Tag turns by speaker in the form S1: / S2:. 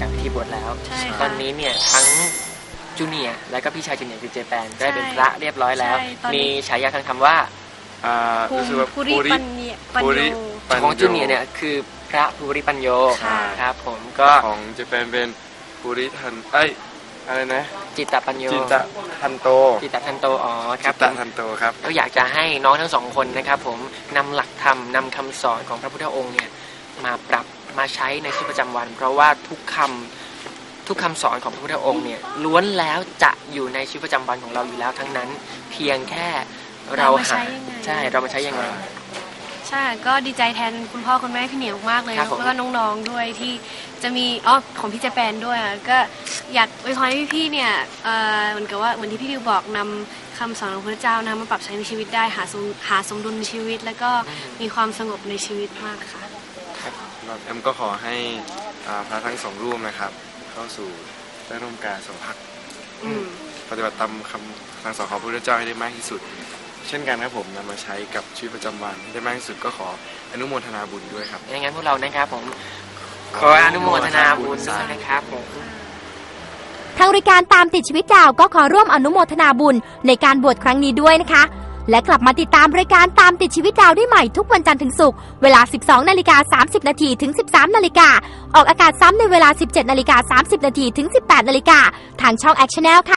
S1: จากพิธีบวชแล้วตอนนี้เนี่ยทั้งจูเนียร์และก็พี่ชายจูเนียร์คือเจแปนได้เป็นพระเรียบร้อยแล้วมีฉายาทางธรรมว่า
S2: ภูริปัญโย
S1: ของจูเนียร์เนี่ยคือพระภูริปัญโยครับผมก็
S3: ของเจแปนเป็นภูริทันอะไรนะ
S1: จิตตปัญโย
S3: จิตตทันโต
S1: อ๋อครับ
S3: จิตตทันโตครับ
S1: ก็อยากจะให้น้องทั้งสองคนนะครับผมนำหลักธรรมนำคำสอนของพระพุทธองค์เนี่ยมาปรับมาใช้ในชีวิตประจำวันเพราะว่าทุกคำสอนของพระพุทธองค์เนี่ยล้วนแล้วจะอยู่ในชีวิตประจำวันของเราอยู่แล้วทั้งนั้นเพียงแค่เรามาใช้ยังไง
S2: ใช่ก็ดีใจแทนคุณพ่อคุณแม่พี่เหนียวมากเลยแล้วก็น้องๆด้วยที่จะมีของพี่เจแปนด้วยก็อยากอวยพรให้พี่ๆเนี่ยเหมือนกับว่าเหมือนที่พี่ดิวบอกนำคำสอนของพระเจ้านะมาปรับใช้ในชีวิตได้หาสมดุลในชีวิตแล้วก็มีความสงบในชีวิตมากค่ะ
S3: แอมก็ขอให้พระทั้งสองรูปนะครับเข้าสู่ได้ร่วมการสมภักดิ์ปฏิบัติตามคำสั่งสอนของพระพุทธเจ้าให้ได้มากที่สุดเช่นกันครับผมนำมาใช้กับชีวิตประจำวันได้มากที่สุดก็ขออนุโมทนาบุญด้วยครับ
S1: อย่างนั้นพวกเรานะครับผมขออนุโมทนาบุญด้วยนะครับผม
S4: ทางรายการตามติดชีวิตดาวก็ขอร่วมอนุโมทนาบุญในการบวชครั้งนี้ด้วยนะคะและกลับมาติดตามรายการตามติดชีวิตดาวได้ใหม่ทุกวันจันทร์ถึงศุกร์เวลา 12:30 นถึง 13:00 นออกอากาศซ้ำในเวลา 17:30 นถึง 18:00 นทางช่อง Action Channel ค่ะ